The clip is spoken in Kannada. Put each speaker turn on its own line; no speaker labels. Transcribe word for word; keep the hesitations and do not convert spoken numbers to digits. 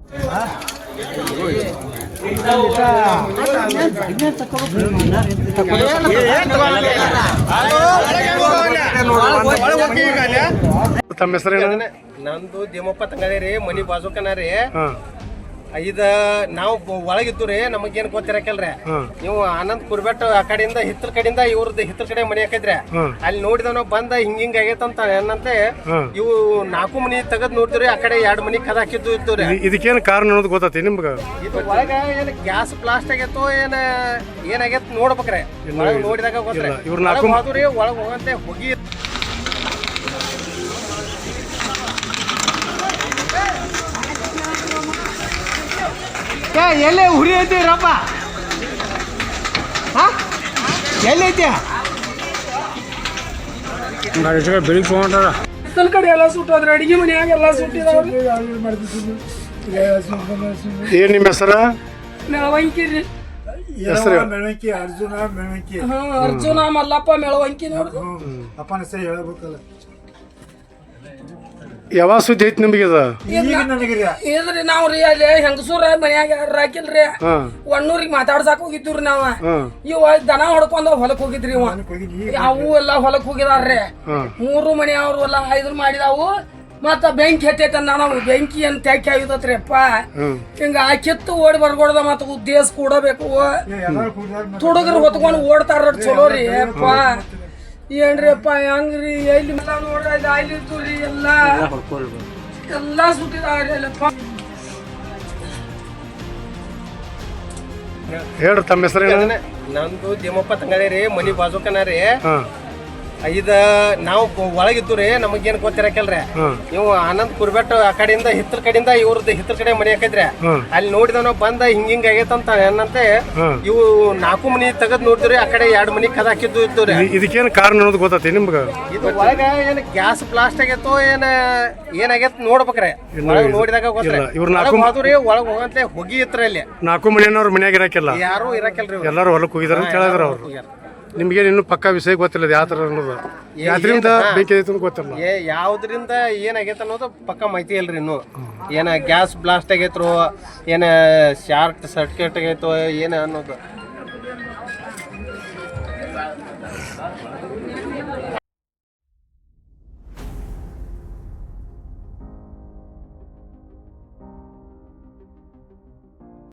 ತಮ್ಮ ಹೆಸರೇನು?
ನಂದು ದೇಮಪ್ಪ ತಂಗಡಿ ರೀ, ಮನಿ ಬಾಜುಕನ ರೀ. ಇದ ನಾವು ಒಳಗಿದ್ದು ರೀ, ನಮಗೇನ್ ಗೊತ್ತಿರಕಲ್ರಿ. ನೀವು ಆನಂದ್ ಕುರ್ಬೆಟ್ ಆ ಕಡೆಯಿಂದ ಹಿತ್ತಲ ಕಡೆಯಿಂದ ಇವ್ರದ್ದು ಹಿತ್ತಲ ಕಡೆ ಮನಿ ಹಾಕಿದ್ರೆ ಅಲ್ಲಿ ನೋಡಿದವ್ ನಾವು ಬಂದ ಹಿಂಗ ಹಿಂಗ ಆಗೇತಂತ ಏನಂತೆ ಇವು ನಾಲ್ಕು ಮನಿ ತೆಗದ್ ನೋಡಿದ್ರಿ, ಆ ಕಡೆ ಎರಡ್ ಮನಿ ಕದ ಹಾಕಿದ್ದು ಇತ್ತು ರೀ.
ಇದಕ್ಕೇನು ಕಾರಣ ಅನ್ನೋದು ಗೊತ್ತೈತಿ ನಿಮ್ಗ?
ಇದು ಒಳಗ ಏನ್ ಗ್ಯಾಸ್ ಬ್ಲಾಸ್ಟ್ ಆಗೇತೋ ಏನ ಏನಾಗೇತ್ ನೋಡ್ಬೇಕ್ರೆ. ಒಳಗ್ ನೋಡಿದಾಗ ಗೊತ್ತ್ರಿ. ಹೋದ್ರಿ ಒಳಗ್ ಹೋಗಂತೆ ಹೋಗಿ ಎಲ್ಲೇ ಉರಿ ಐತಿ ರಪ್ಪ, ಎಲ್ಲೈತಿ
ಬೆಳಿಗ್ಗೆ ತಗೊಂಡ್ರ
ಹಿತ್ತಲ ಕಡೆ ಎಲ್ಲ ಸುಟ್ಟೋದ್ರೆ ಅಡಿಗೆ ಮನ್ಯಾಗ ಎಲ್ಲ ಸುಟ್ಟಿದಾವ.
ಏನ್ ನಿಮ್ಮ ಹೆಸರ?
ಮೆಳವಂಕಿ ರೀ.
ಹೆಸರು
ಮೆಳವಂಕಿ ಅರ್ಜುನ ಮೆಳವಂಕಿ.
ಹಾ, ಅರ್ಜುನ ಮಲ್ಲಪ್ಪ ಮೆಳವಂಕಿ ನೋಡ್ದು.
ಅಪ್ಪನ ಹೆಸರು ಹೇಳ್ಬೇಕಲ್ಲ.
ಯಾವಾಗ ಸುದ್ದಿ ಐತಿ ನಿಮಗೆ?
ಇದ್ರಿ ನಾವ್ ರೀ ಅಲ್ಲಿ ಹೆಂಗಸೂರ ಮನ್ಯಾಗ ಯಾರು ಹಾಕಿಲ್ರಿ, ಒಣ್ಣೂರಿಗೆ ಮಾತಾಡ್ಸಾಕ್ ಹೋಗಿದ್ವಿ ನಾವ. ಇವ ದನ ಹೊಡ್ಕೊಂಡ ಹೊಲಕ್ ಹೋಗಿದ್ರಿ. ಇವ ಅವು ಎಲ್ಲಾ ಹೊಲಕ್ ಹೋಗಿದಾರ್ರಿ. ಮೂರು ಮನೆ ಅವ್ರು ಎಲ್ಲಾ ಐದ್ರ ಮಾಡಿದಾವು. ಮತ್ತ ಬೆಂಕಿ ಹತ್ತೈತ, ನಾವು ಬೆಂಕಿ ಅಂತ ತ್ಯಾಕಿ ಆಗಿದತ್ರಿ ಅಪ್ಪ. ಹಿಂಗ ಆ ಕಿತ್ತು ಓಡಿ ಬರ್ಗೊಡ್ದ ಮತ್ತ ಉದ್ದೇಶ ಕೂಡಬೇಕು. ತುಡುಗರು ಹೊತ್ಕೊಂಡು ಓಡ್ತಾರ ಚಲೋ ರೀ ಅಪ್ಪ. ಏನ್ರಿ ಅಪ್ಪ ಹೆಂಗ್ರಿ ಎಲ್ಲಿ ನೋಡ್ರಿ ಅಲ್ಲಿ ಇರ್ತವ್ರಿ ಎಲ್ಲ ಎಲ್ಲಾ ಸುಟ್ಟಿದಾವ್ರಿ ಅಲ್ಲಪ್ಪ.
ಹೇಳ್ರಿ ತಮ್ಮ ಹೆಸರೇನು?
ನಂದು ದೇಮಪ್ಪ ತಂಗಡಿ ರೀ, ಮನಿ ಬಾಜುಕನ ರೀ. ಇದ ನಾವು ಒಳಗಿದ್ದು ರೀ, ನಮಗೇನ್ ಗೊತ್ತಿರಕಲ್ರಿ. ನೀವು ಆನಂದ್ ಕುರ್ಬೆಟ್ ಆ ಕಡೆಯಿಂದ ಹಿತ್ತಲ ಕಡೆಯಿಂದ ಇವ್ರದ್ದು ಹಿತ್ತಲ ಕಡೆ ಮನಿ ಹಾಕಿದ್ರೆ ಅಲ್ಲಿ ನೋಡಿದವ್ ನಾವು ಬಂದ ಹಿಂಗ ಹಿಂಗ ಆಗೇತಂತ ಏನಂತೆ ಇವು ನಾಲ್ಕು ಮನಿ ತೆಗದ್ ನೋಡಿದ್ರಿ, ಆ ಕಡೆ ಎರಡ್ ಮನಿ ಕದ ಹಾಕಿದ್ದು ಇತ್ತು ರೀ.
ಇದಕ್ಕೇನು ಕಾರಣ ಅನ್ನೋದು ಗೊತ್ತೈತಿ ನಿಮ್ಗ?
ಇದು ಒಳಗ ಏನ್ ಗ್ಯಾಸ್ ಬ್ಲಾಸ್ಟ್ ಆಗೇತೋ ಏನ ಏನಾಗೇತ್ ನೋಡ್ಬೇಕ್ರೆ. ಒಳಗ್ ನೋಡಿದಾಗ ಗೊತ್ತ್ರಿ. ಹೋದ್ರಿ ಒಳಗ್ ಹೋಗಂತೆ ಹೋಗಿ ಇತ್ರ ಅಲ್ಲಿ
ನಾಲ್ಕು ಮನೆಯವ್ರ ಮನ್ಯಾಗ ಇರಾಕಿಲ್ಲ,
ಯಾರು ಇರಕಲ್ರಿ.
ಎಲ್ಲಾರು ಹೊಲಕ್ ಹೋಗಿದಾರ ಅಂತ ಹೇಳಿದ್ರ ಅವ್ರು. ನಿಮ್ಗೆ ಇನ್ನು ಪಕ್ಕಾ ವಿಷಯ ಗೊತ್ತಿಲ್ಲ ಯಾವ ತರ ಅನ್ನೋದು, ಯಾವ್ದ್ರಿಂದ ಬೆಂಕಿ ಐತೆ ಗೊತ್ತಿಲ್ಲ.
ಏ ಯಾವ್ದ್ರಿಂದ ಏನಾಗೈತೆ ಅನ್ನೋದು ಪಕ್ಕ ಮಾಹಿತಿ ಇಲ್ರಿ. ಇನ್ನು ಏನ ಗ್ಯಾಸ್ ಬ್ಲಾಸ್ಟ್ ಆಗೈತ್ರೋ ಏನ ಶಾರ್ಟ್ ಸರ್ಕ್ಯೂಟ್ ಆಗೈತೋ ಏನ ಅನ್ನೋದು.